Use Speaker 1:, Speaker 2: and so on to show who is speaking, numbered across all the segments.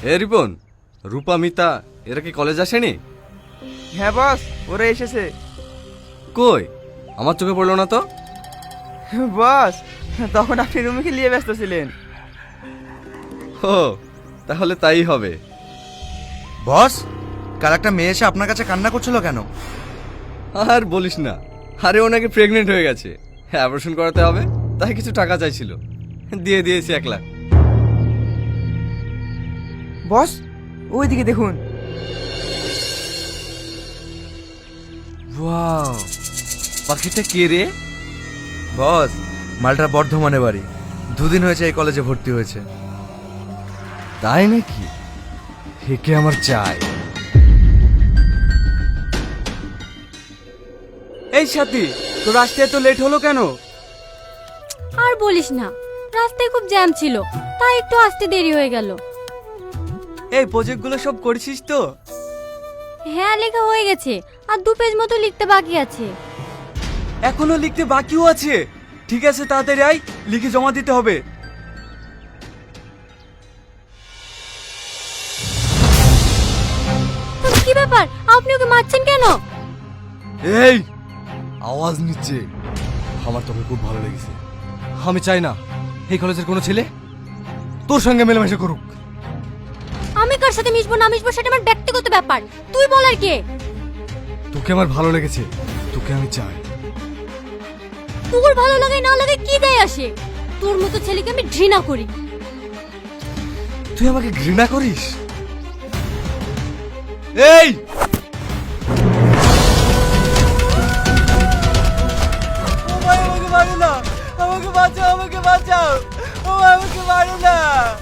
Speaker 1: এ রিপন, রূপা, মিতা এরা কি কলেজ আসেনি?
Speaker 2: হ্যাঁ বস, ওরা এসেছে।
Speaker 1: কই, আমার চোখে পড়লো না তো।
Speaker 2: বস, তখন আপনি রুমিকে নিয়ে ব্যস্ত ছিলেন।
Speaker 1: ও, তাহলে তাই হবে।
Speaker 3: বস, কাল একটা মেয়ে এসে আপনার কাছে কান্না করছিল কেন?
Speaker 1: আর বলিস না, আরে ও নাকি প্রেগনেন্ট হয়ে গেছে, অপারেশন করাতে হবে, তাই কিছু টাকা চাইছিল, দিয়ে দিয়েছি 1 লাখ।
Speaker 2: বস, ওইদিকে দেখুন।
Speaker 1: ওয়াও, পাখিটা কে রে?
Speaker 3: বস, মালটা বর্ধমানে বাড়ি, 2 দিন হয়েছে এই কলেজে ভর্তি হয়েছে।
Speaker 1: তাই নাকি? একে আমার চাই।
Speaker 4: এই সাথী, তোর আসতে এত লেট হলো কেন?
Speaker 5: আর বলিস না, রাস্তায় খুব জ্যাম ছিল, তাই একটু আসতে দেরি হয়ে গেল।
Speaker 4: এই প্রজেক্টগুলো সব করেছিস তো?
Speaker 5: হ্যাঁ, লেখা হয়ে গেছে, আর 2 পেজ মতো লিখতে বাকি আছে।
Speaker 4: এখনো লিখতে বাকিও আছে? ঠিক আছে, তাড়াতাড়ি আয়, লিখে জমা দিতে হবে।
Speaker 5: কি ব্যাপার, আপনি ওকে মারছেন কেন?
Speaker 1: এই আওয়াজ নিচ্ছে, আমার তোকে খুব ভালো লেগেছে। আমি চাই না এই কলেজের কোনো ছেলে তোর সঙ্গে মেলামেশা করুক।
Speaker 5: আমি কার সাথে মিশবো না মিশবো সেটা আমার ব্যক্তিগত ব্যাপার, তুই বলার কে?
Speaker 1: তোকে আমার ভালো লেগেছে, তোকে আমি চাই।
Speaker 5: তোর ভালো লাগে না লাগে কি যায় আসে? তোর মতো ছেলেকে আমি ঘৃণা করি।
Speaker 1: তুই আমাকে ঘৃণা করিস? এই
Speaker 4: আমাকে মারো না, আমাকে বাঁচাও, আমাকে বাঁচাও, আমাকে মারো না।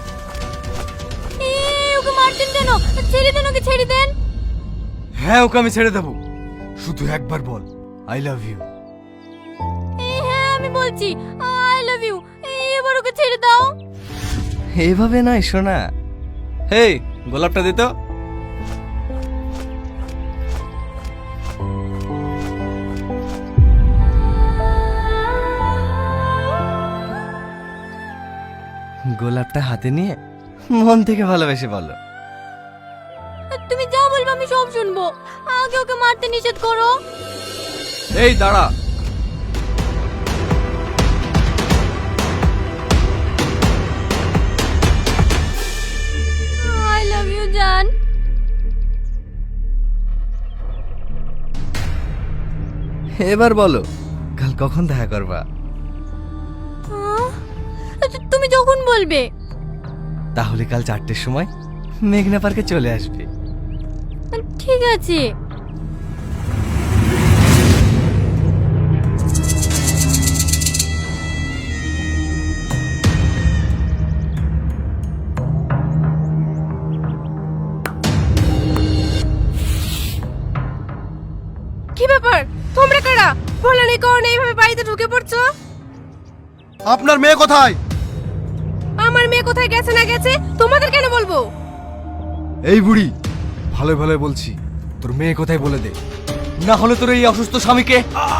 Speaker 5: ওকে মারছেন কেন? ছেড়ে দেন ওকে, ছেড়ে দেন।
Speaker 1: হ্যাঁ, ওকে আমি ছেড়ে দেবো, শুধু একবার বল আই লাভ ইউ।
Speaker 5: হ্যাঁ, আমি বলছি আই লাভ ইউ, এবার ওকে ছেড়ে দাও।
Speaker 1: এইভাবে নয় শোনা। হেই, গোলাপটা দে তো। গোলাপটা হাতে নিয়ে মন থেকে ভালোবেসে বলো।
Speaker 5: তুমি যা বলবে আমি সব শুনবো, আগে ওকে মারতে নিষেধ করো।
Speaker 1: এই দাঁড়া,
Speaker 5: আই লাভ ইউ জান।
Speaker 1: এবার বলো কাল কখন দেখা করবা?
Speaker 5: তুমি যখন বলবে।
Speaker 1: তাহলে কাল 4টের সময় মেঘনা পার্কে চলে আসবে।
Speaker 5: ঠিক আছে।
Speaker 6: কি ব্যাপার, তোমরা কারা? বলো নেই কারণে এইভাবে বাড়িতে ঢুকে পড়ছো?
Speaker 3: আপনার মেয়ে কোথায়?
Speaker 6: আমার মেয়ে কোথায় গেছে না গেছে তোমাদের কেন বলবো?
Speaker 1: এই বুড়ি, ভালো ভালো বলছি, তোর মেয়ে কোথায় বলে দে, না হলে তোর এই অসুস্থ স্বামীকে।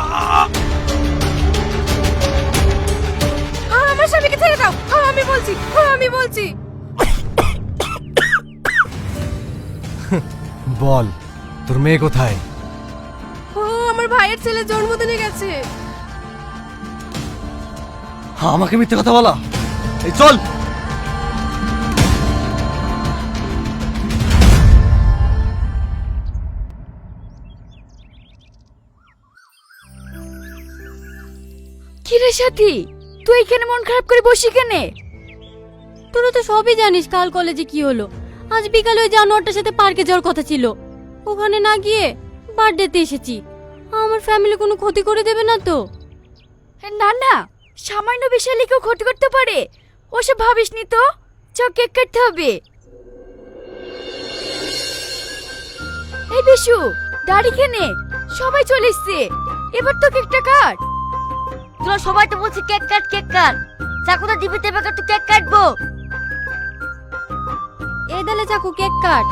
Speaker 6: আমার স্বামীকে ছেড়ে দাও, আমি বলছি, আমি বলছি।
Speaker 1: বল তোর মেয়ে কোথায়?
Speaker 6: আমার ভাইয়ের ছেলে জন্মদিনে গেছে।
Speaker 1: আমাকে মিথ্যে কথা বলা? এই চল।
Speaker 6: কি রে সাথী, তুই এখানে মন খারাপ করে বসি কেনে?
Speaker 5: তোরা তো সবই জানিস কাল কলেজে কি হলো। আজ বিকালে ওই জানোয়ারটার সাথে পার্কে যাওয়ার কথা ছিল, ওখানে না গিয়ে বার্থডেতে এসেছি। আমার ফ্যামিলি কোনো ক্ষতি করে দেবে না তো?
Speaker 6: না না, সামান্য বিষয়ে কেউ ক্ষতি করতে পারে, ওসব ভাবিস নি তো। চ, কেক কাটতে হবে। এই বিশু, দাড়ি কেনে, সবাই চলে এসছে, এবার তো কেকটা কাট।
Speaker 5: তোরা সবাই তো বলছি কেক কাট কেক কাট, চাকুটা দিবি তেবে তো কেক কাটবো। এই দালে চাকু, cake cut.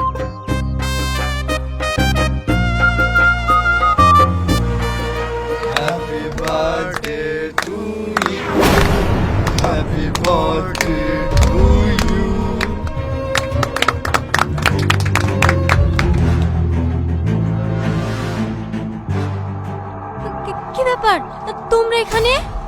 Speaker 1: Happy birthday to you, happy birthday to you,
Speaker 5: ব্যাপার তোমরা এখানে?